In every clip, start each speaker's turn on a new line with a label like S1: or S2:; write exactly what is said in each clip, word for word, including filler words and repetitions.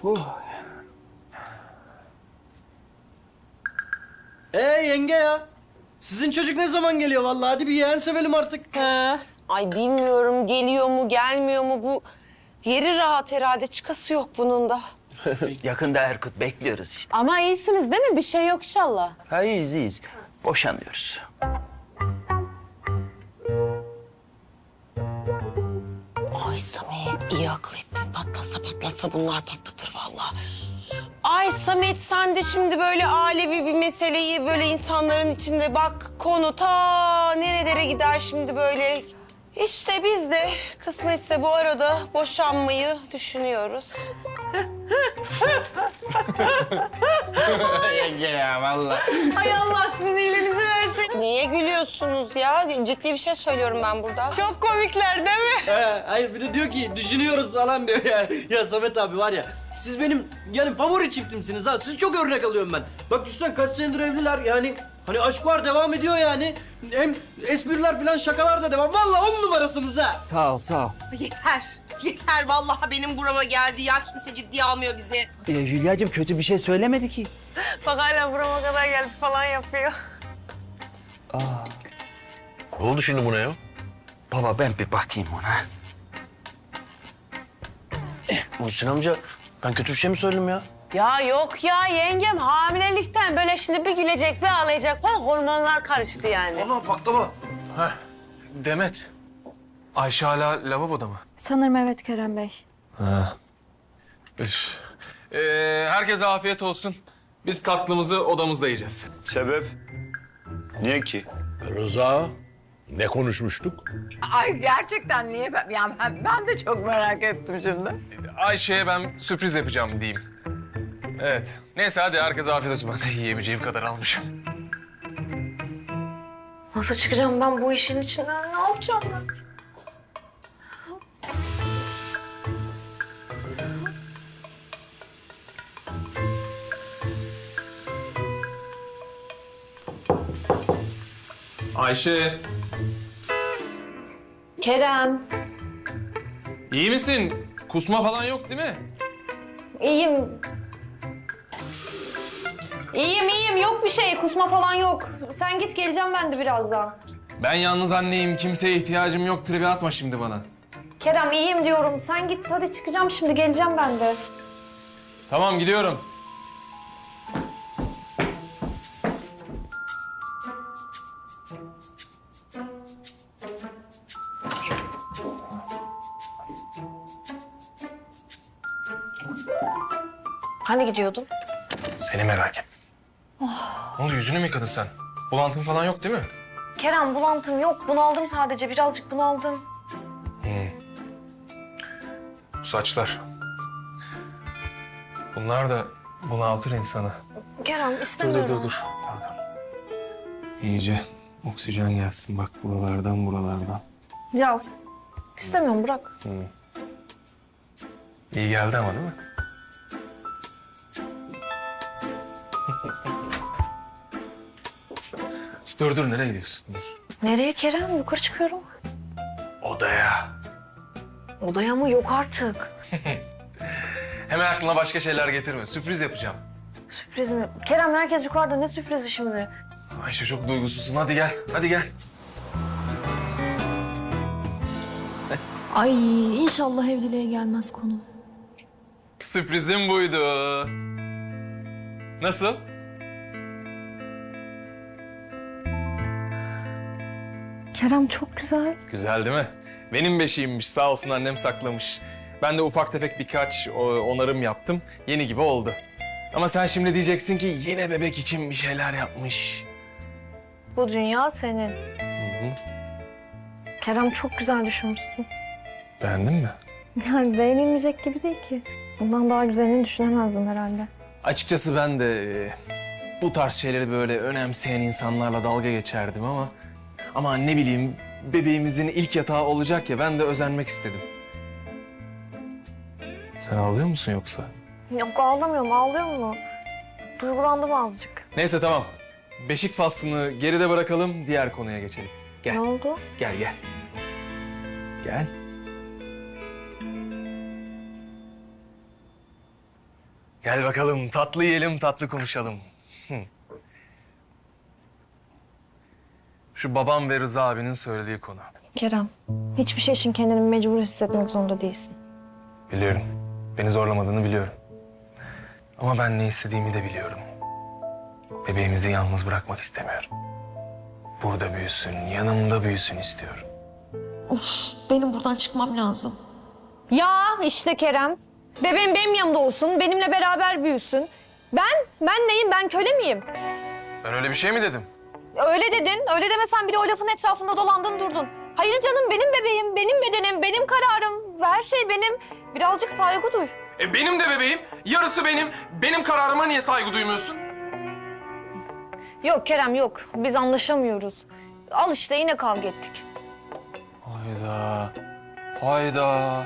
S1: Oh.
S2: Ee yenge ya. Sizin çocuk ne zaman geliyor vallahi? Hadi bir yeğen sevelim artık.
S3: He. Ay bilmiyorum geliyor mu gelmiyor mu bu yeri rahat herhalde çıkası yok bunun da.
S1: Yakında Erkut bekliyoruz işte.
S3: Ama iyisiniz değil mi? Bir şey yok inşallah.
S1: Ha iyiyiz iyiyiz. Boşanıyoruz.
S3: Ay Samet iyi akıl ettin. Patlatsa patlatsa bunlar patlatır vallahi. Ay Samet sen de şimdi böyle alevi bir meseleyi böyle insanların içinde bak konu ta nerelere gider şimdi böyle. İşte biz de kısmetse bu arada boşanmayı düşünüyoruz.
S2: Yenge ya vallahi.
S3: Ay Allah sizin iyiliğinizi versin. Niye gülüyorsunuz ya? Ciddi bir şey söylüyorum ben burada. Çok komikler değil mi?
S2: He, hayır bir de diyor ki düşünüyoruz falan diyor ya. Ya Samet abi var ya siz benim yani favori çiftimsiniz ha. Siz çok örnek alıyorum ben. Bak düşünsene kaç senedir evliler yani. Hani aşk var devam ediyor yani. Hem espriler falan şakalar da devam. Vallahi on numarasınız ha.
S1: Sağ ol sağ ol.
S3: Yeter. Yeter vallahi benim burama geldi ya. Kimse ciddiye almıyor bizi.
S1: Ee, Hülya'cığım kötü bir şey söylemedi ki.
S3: Bak hala burama kadar geldi falan yapıyor.
S1: Aa.
S4: Ne oldu şimdi buna ya?
S1: Baba ben bir bakayım ona.
S4: Muhsin amca ben kötü bir şey mi söyledim ya?
S3: Ya yok ya yengem hamilelikten böyle şimdi bir gülecek bir ağlayacak falan hormonlar karıştı yani.
S2: Ana baklava.
S5: Heh, Demet. Ayşe hala lavaboda mı?
S6: Sanırım evet Kerem Bey.
S5: Ha. Üf. Ee, herkese afiyet olsun. Biz tatlımızı odamızda yiyeceğiz.
S7: Sebep? Niye ki?
S4: Rıza, ne konuşmuştuk?
S8: Ay gerçekten niye ben? Yani ben, ben de çok merak ettim şimdi.
S5: Ayşe'ye ben sürpriz yapacağım diyeyim. Evet. Neyse hadi herkese afiyet olsun. Ben de yiyebileceğim kadar almışım.
S6: Nasıl çıkacağım ben bu işin içinden? Ne yapacağım ben?
S5: Ayşe,
S6: Kerem,
S5: iyi misin? Kusma falan yok değil mi?
S6: iyiyim. İyiyim, iyiyim. Yok bir şey. Kusma falan yok. Sen git, geleceğim ben de birazdan.
S5: Ben yalnız anneyim. Kimseye ihtiyacım yok. Tribe atma şimdi bana.
S6: Kerem, iyiyim diyorum. Sen git, hadi çıkacağım şimdi. Geleceğim ben de.
S5: Tamam gidiyorum.
S6: Hani gidiyordun?
S5: Seni merak ettim. Ne oldu yüzünü mü yıkadın sen? Bulantın falan yok değil mi?
S6: Kerem, bulantım yok. Bunaldım sadece. Birazcık bunaldım.
S5: Bu saçlar. Bunlar da bunaltır insanı.
S6: Kerem,
S5: Dur
S6: istemiyorum.
S5: dur dur dur. Dur, dur. İyice oksijen gelsin bak buralardan buralardan.
S6: Ya, istemiyorum. Bırak.
S5: İyi geldi ama değil mi? Dur dur nereye gidiyorsun? Dur.
S6: Nereye Kerem? Yukarı çıkıyorum.
S5: Odaya.
S6: Odaya mı? Yok artık.
S5: Hemen aklına başka şeyler getirme. Sürpriz yapacağım.
S6: Sürpriz mi? Kerem, herkes yukarıda. Ne sürprizi şimdi?
S5: Ayşe çok duygusuzsun. Hadi gel. Hadi gel.
S6: Ay, inşallah evliliğe gelmez konu.
S5: Sürprizim buydu. Nasıl?
S6: Kerem çok güzel.
S5: Güzel değil mi? Benim beşiğimmiş. Sağ olsun annem saklamış. Ben de ufak tefek birkaç o, onarım yaptım. Yeni gibi oldu. Ama sen şimdi diyeceksin ki yine bebek için bir şeyler yapmış.
S6: Bu dünya senin. Kerem çok güzel düşünmüşsün.
S5: Beğendin mi?
S6: Yani beğenilmeyecek gibi değil ki. Bundan daha güzelini düşünemezdim herhalde.
S5: Açıkçası ben de e, bu tarz şeyleri böyle önemseyen insanlarla dalga geçerdim ama... Ama ne bileyim bebeğimizin ilk yatağı olacak ya ben de özenmek istedim. Sen ağlıyor musun yoksa?
S6: Yok ağlamıyorum, ağlıyor mu? Duygulandım azıcık.
S5: Neyse tamam. Beşik faslını geride bırakalım, diğer konuya geçelim. Gel.
S6: Ne oldu?
S5: Gel gel. Gel. Gel bakalım tatlı yiyelim, tatlı konuşalım. Hı. Şu babam ve Rıza abinin söylediği konu.
S6: Kerem, hiçbir şey için kendini mecbur hissetmek zorunda değilsin.
S5: Biliyorum. Beni zorlamadığını biliyorum. Ama ben ne istediğimi de biliyorum. Bebeğimizi yalnız bırakmak istemiyorum. Burada büyüsün, yanımda büyüsün istiyorum.
S3: Of, benim buradan çıkmam lazım.
S6: Ya işte Kerem. Bebeğim benim yanımda olsun, benimle beraber büyüsün. Ben, ben neyim? Ben köle miyim?
S5: Ben öyle bir şey mi dedim?
S6: Öyle dedin, öyle demesen bile o lafın etrafında dolandın durdun. Hayır canım, benim bebeğim, benim bedenim, benim kararım. Her şey benim. Birazcık saygı duy.
S5: E benim de bebeğim, yarısı benim. Benim kararıma niye saygı duymuyorsun?
S6: Yok Kerem yok, biz anlaşamıyoruz. Al işte yine kavga ettik.
S5: Hayda, hayda.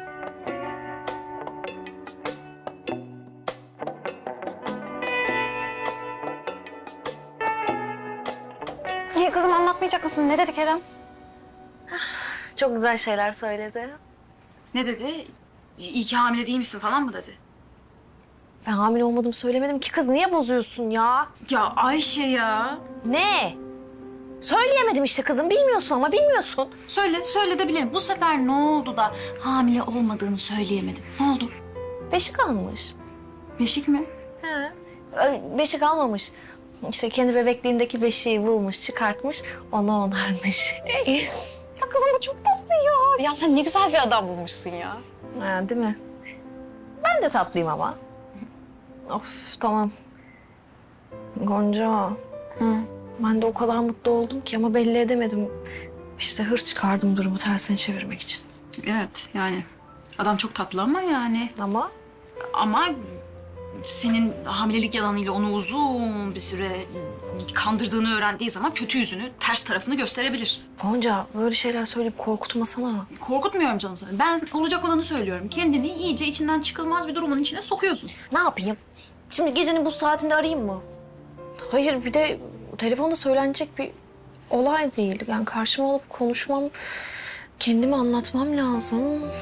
S6: İyi kızım anlatmayacak mısın? Ne dedi Kerem?
S9: Çok güzel şeyler söyledi.
S10: Ne dedi? İyi ki hamile değil misin falan mı dedi?
S6: Ben hamile olmadım söylemedim ki kız. Niye bozuyorsun ya?
S10: Ya Ayşe ya.
S6: Ne? Söyleyemedim işte kızım. Bilmiyorsun ama bilmiyorsun.
S10: Söyle, söyle de bilelim. Bu sefer ne oldu da hamile olmadığını söyleyemedin? Ne oldu?
S6: Beşik almış.
S10: Beşik mi?
S6: He. Ö, Beşik almamış. İşte kendi bebekliğindeki beşiği bulmuş, çıkartmış, onu onarmış. Ya kızım bu çok tatlı ya.
S9: Ya sen ne güzel bir adam bulmuşsun ya.
S6: Ha, değil mi? Ben de tatlıyım ama. Of tamam. Gonca.
S10: Hı.
S6: Ben de o kadar mutlu oldum ki ama belli edemedim. İşte hırs çıkardım durumu tersine çevirmek için.
S10: Evet yani. Adam çok tatlı ama yani.
S6: Ama
S10: Ama senin hamilelik yalanıyla onu uzun bir süre kandırdığını öğrendiği zaman kötü yüzünü, ters tarafını gösterebilir.
S6: Gonca böyle şeyler söyleyip korkutmasana.
S10: Korkutmuyorum canım seni. Ben olacak olanı söylüyorum. Kendini iyice içinden çıkılmaz bir durumun içine sokuyorsun.
S6: Ne yapayım? Şimdi gecenin bu saatinde arayayım mı? Hayır bir de telefonda söylenecek bir olay değil. Yani karşıma alıp konuşmam, kendimi anlatmam lazım.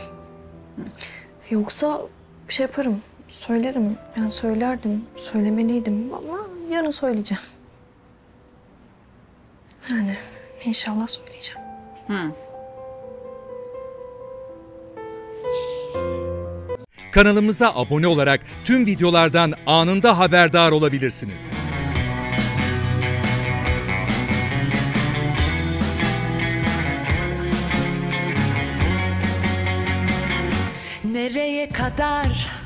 S6: Yoksa bir şey yaparım, söylerim. Yani söylerdim, söylemeliydim ama yarın söyleyeceğim. Yani inşallah söyleyeceğim.
S10: Hı.
S11: Kanalımıza abone olarak tüm videolardan anında haberdar olabilirsiniz.
S3: Nereye kadar